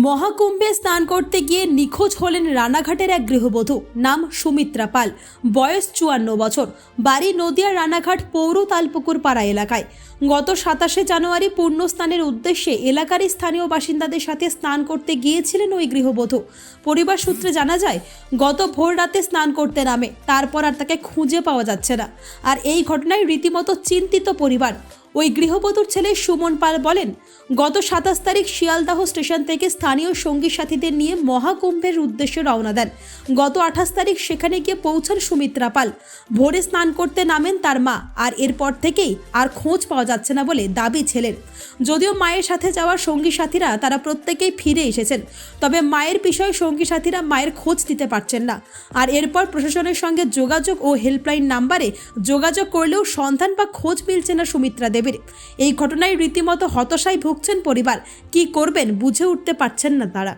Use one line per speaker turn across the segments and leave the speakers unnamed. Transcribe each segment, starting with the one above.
মহাকুম্ভে স্নান করতে গিয়ে নিখোঁজ হলেন রানাঘাটের এক গৃহবধূ। নাম সুমিত্রা পাল, বয়স 54 বছর, বাড়ি নদিয়ার রানাঘাট পৌর তালপুকুর পাড়া এলাকায়। গত 27 জানুয়ারি পূর্ণ স্নানের উদ্দেশ্যে এলাকার স্থানীয় বাসিন্দাদের সাথে স্নান করতে গিয়েছিলেন ওই গৃহবধূ। পরিবার সূত্রে জানা যায়, গত ভোর রাতে স্নান করতে নামে, তারপর আর তাকে খুঁজে পাওয়া যাচ্ছে না। আর এই ঘটনায় রীতিমতো চিন্তিত পরিবার। ওই গৃহবধূর ছেলে সুমন পাল বলেন, গত 27 তারিখ শিয়ালদাহ স্টেশন থেকে স্থানীয় সঙ্গী সাথীদের নিয়ে মহাকুম্ভের উদ্দেশ্যে রওনা দেন। গত 28 তারিখ সেখানে গিয়ে পৌঁছান সুমিত্রা পাল। ভোরে স্নান করতে নামেন তার মা, আর এরপর থেকেই আর খোঁজ পাওয়া যাচ্ছে না বলে দাবি ছেলের। যদিও মায়ের সাথে যাওয়ার সঙ্গী সাথীরা তারা প্রত্যেকেই ফিরে এসেছেন, তবে মায়ের বিষয়ে সঙ্গী সাথীরা মায়ের খোঁজ দিতে পারছেন না। আর এরপর প্রশাসনের সঙ্গে যোগাযোগ ও হেল্পলাইন নাম্বারে যোগাযোগ করলেও সন্ধান বা খোঁজ মিলছে না সুমিত্রা দেবীর। এই ঘটনায় রীতিমতো হতাশায় ভুগছেন পরিবার। কি করবেন বুঝে উঠতে পারছেন না তারা।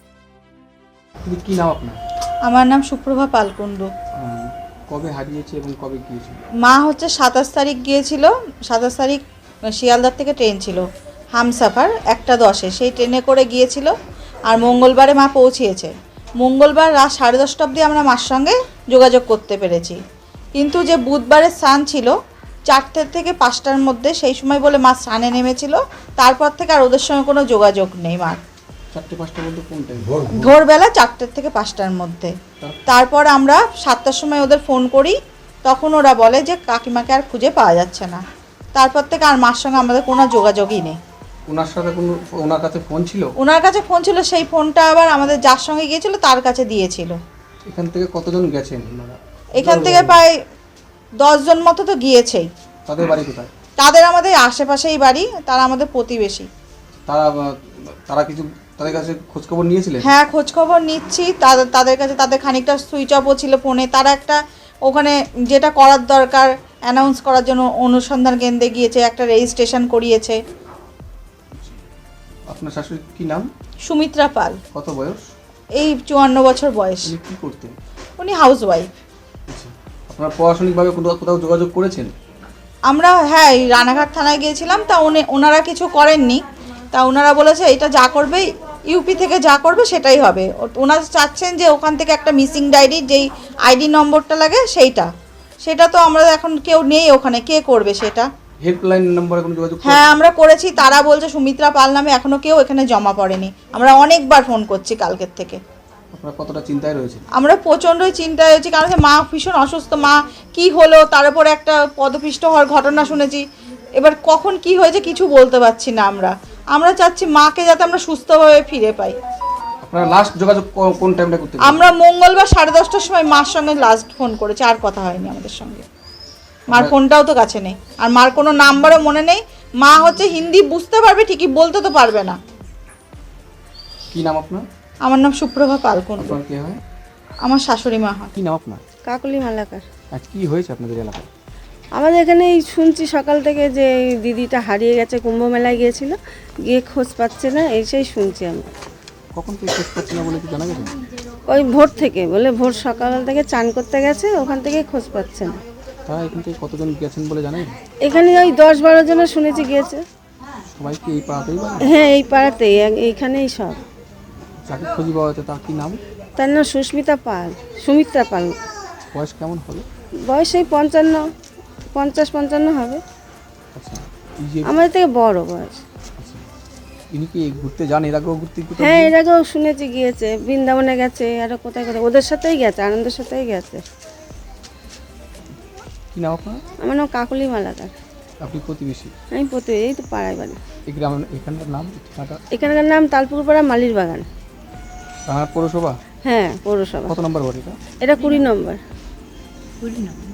কি নাম আপনার?
আমার নাম সুপ্রভা পালকুণ্ডু।
কবে হারিয়েছে এবং কবে গিয়েছিল?
মা হচ্ছে 27 তারিখ গিয়েছিল। 27 তারিখ শিয়ালদার থেকে ট্রেন ছিল হামসাফার 1:10-এ, সেই ট্রেনে করে গিয়েছিল। আর মঙ্গলবারে মা পৌঁছিয়েছে। মঙ্গলবার রাত 10:30 অবধি আমরা মার সঙ্গে যোগাযোগ করতে পেরেছি, কিন্তু যে বুধবারের স্নান ছিল 4টে থেকে 5টার মধ্যে, সেই সময় বলে মা স্নানে নেমেছিল। তারপর থেকে আর ওদের সঙ্গে কোনো যোগাযোগ নেই মার।
4-5টার মধ্যে কোন টাইম?
ভোরবেলা 4টে থেকে 5টার মধ্যে। তারপর আমরা 7টার সময় ওদের ফোন করি, তখন ওরা বলে যে কাকিমাকে আর খুঁজে পাওয়া যাচ্ছে না। তারপর থেকে আর মার সঙ্গে আমাদের কোনো যোগাযোগই নেই।
ওনার সাথে ওনার কাছে ফোন ছিল?
ওনার কাছে ফোন ছিল, সেই ফোনটা আবার আমাদের যার সঙ্গে গিয়েছিল তার কাছে দিয়েছিল।
এখান থেকে কতজন গেছেন ওনারা?
এখান থেকে প্রায় 10 জন মতো তো গিয়েছেই।
তাদের বাড়ি কোথায়?
তাদের আমাদের আশেপাশেই বাড়ি, তারা আমাদের প্রতিবেশী।
তারা কিছু তাদের কাছে খোঁজখবর নিয়েছিলেন?
হ্যাঁ, খোঁজখবর নিচ্ছি তাদের কাছে। তাদের খানিকটা সুইচ অফও ছিল ফোনে। তারা একটা ওখানে যেটা করার দরকার অ্যানাউন্স করার জন্য অনুসন্ধান কেন্দ্রে গিয়েছে, একটা রেজিস্ট্রেশন করিয়েছে।
আপনার শাশুড়ির কি নাম?
সুমিত্রা পাল।
কত বয়স?
এই 54 বছর বয়স।
উনি কি করতেন?
উনি হাউস ওয়াইফ।
আচ্ছা, আপনারা প্রশাসনিকভাবে কোথাও যোগাযোগ করেছেন?
আমরা হ্যাঁ, এই রানাঘাট থানায় গিয়েছিলাম, তা ওনারা কিছু করেননি। তা ওনারা বলেছে এটা যা করবে ইউপি থেকে যা করবে সেটাই হবে। ওনারা চাচ্ছেন যে ওখান থেকে একটা মিসিং ডায়েরি, যেই আইডি নম্বরটা লাগে সেটা তো আমরা এখন কেউ নেই ওখানে, কে করবে সেটা?
হেল্পলাইন নম্বরে কোনো যোগাযোগ?
হ্যাঁ, আমরা করেছি। তারা বলছে সুমিত্রা পাল নামে এখনো কেউ এখানে জমা পড়েনি। আমরা অনেকবার ফোন করছি কালকের থেকে।
আপনারা কতটা চিন্তায় রয়েছে?
আমরা প্রচণ্ডই চিন্তায় হয়েছি, কারণ মা ভীষণ অসুস্থ। মা কি হলো, তার উপরে একটা পদপিষ্ট হওয়ার ঘটনা শুনেছি। এবার কখন কি হয়েছে কিছু বলতে পারছি না। আমরা চাচ্ছি মাকে যাতে আমরা সুস্থভাবে ফিরে পাই।
আপনারা লাস্ট যোগাযোগ কোন টাইমটা করতে?
আমরা মঙ্গলবার 10:30টার সময় মার সঙ্গে লাস্ট ফোন করেছি, আর কথা হয়নি আমাদের সঙ্গে। মার ফোনটাও তো কাছে নেই, আর মার কোনো নাম্বারও মনে নেই। মা হচ্ছে হিন্দি বুঝতে পারবে ঠিকই, বলতে তো পারবে না।
কি নাম আপনার?
আমার নাম সুপ্রভা পালকুণ্ডু।
আপনার কে হয়?
আমার শাশুড়ি মা হয়।
কি নাম আপনার?
কাকলি মালাকার।
আজ কি হয়েছে আপনাদের এলাকায়?
আমাদের এখানে এই শুনছি সকাল থেকে যে এই দিদিটা হারিয়ে গেছে, কুম্ভ মেলায় গিয়েছিল, গিয়ে খোঁজ পাচ্ছে না, এসেই শুনছি আমরা।
কখন থেকে খোঁজ পাচ্ছি না বলে কি জানা গেছে?
ওই ভোর থেকে, বলে ভোর সকাল থেকে চান করতে গেছে, ওখান থেকে খোঁজ পাচ্ছে না।
তারা এখান থেকে কতজন গেছেন বলে জানেন?
এখানে ওই 10-12 জন শুনেছি গিয়েছে।
সবাই কি এই পাড়াতেই বাড়ি?
হ্যাঁ, এই পাড়াতেই, এইখানেই সব।
যাকে খুঁজে পাওয়া হয়েছে তার কি নাম?
তার নাম সুস্মিতা পাল, সুমিত্রা পাল।
বয়স কেমন হবে?
বয়স এই 50-55 হবে।
আচ্ছা, এই যে
আমাদের থেকে বড় বয়স।
আচ্ছা, ইনি কি ঘুরতে যান? এর আগেও ঘুরতে
হ্যাঁ, এর আগেও শুনেছি গিয়েছে, বৃন্দাবনে গেছে, আরও কোথায় কোথায় ওদের সাথেই গেছে, আনন্দের সাথেই গেছে।
কি নাম আপনার?
আমার নাম কাকলি মালাকার।
আপনি প্রতিবেশী?
আমি এই তো পাড়ায় বাড়ি।
এই গ্রামের এখানকার নাম ঠিকানাটা?
এখানকার নাম তালপুকুর পাড়া মালির বাগান।
রানাঘাট পৌরসভা?
হ্যাঁ, পৌরসভা।
কত নম্বর ওয়ার্ড এটা?
এটা 20 নম্বর।